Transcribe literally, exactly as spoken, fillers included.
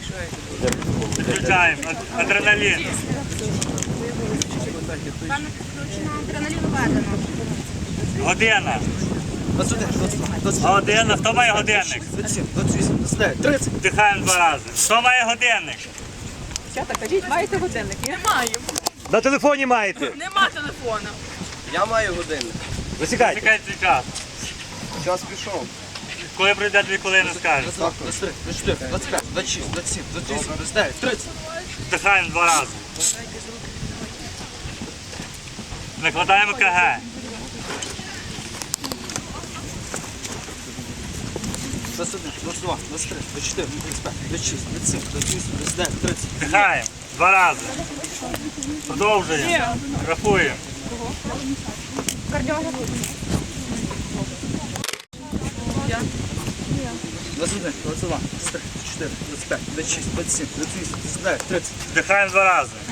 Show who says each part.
Speaker 1: Включаємо. Адреналін.
Speaker 2: Адреналін введено.
Speaker 1: Година.
Speaker 3: двадцять один, двадцять два, двадцять три,
Speaker 1: Година. Хто має годинник?
Speaker 3: двадцять сім, двадцять вісім, двадцять дев'ять, тридцять.
Speaker 1: Вдихаємо два рази. Хто має годинник?
Speaker 4: Дівчата, кажіть, маєте годинник? Не маю.
Speaker 5: На телефоні маєте.
Speaker 4: Нема телефону.
Speaker 3: Я маю годинник.
Speaker 5: Висікайте.
Speaker 1: Чекайте свій час.
Speaker 3: Час пішов.
Speaker 1: Коли пройде дві хвилини, скажеш.
Speaker 3: двадцять три, двадцять чотири, двадцять п'ять, двадцять шість, двадцять сім, двадцять вісім, двадцять дев'ять, тридцять.
Speaker 1: Вдихаємо два рази. Накладаємо КГ.
Speaker 3: двадцять один, двадцять два, двадцять три, двадцять чотири, двадцять п'ять, двадцять шість, двадцять сім, двадцять вісім, двадцять дев'ять, тридцять.
Speaker 1: Вдихаємо два рази. Продовжуємо. Рахуємо.
Speaker 3: двадцять один, двадцять два, двадцять три, двадцять чотири, двадцять п'ять, двадцять шість, двадцять сім, двадцять вісім, двадцять дев'ять, тридцять.
Speaker 1: Вдихаємо два рази.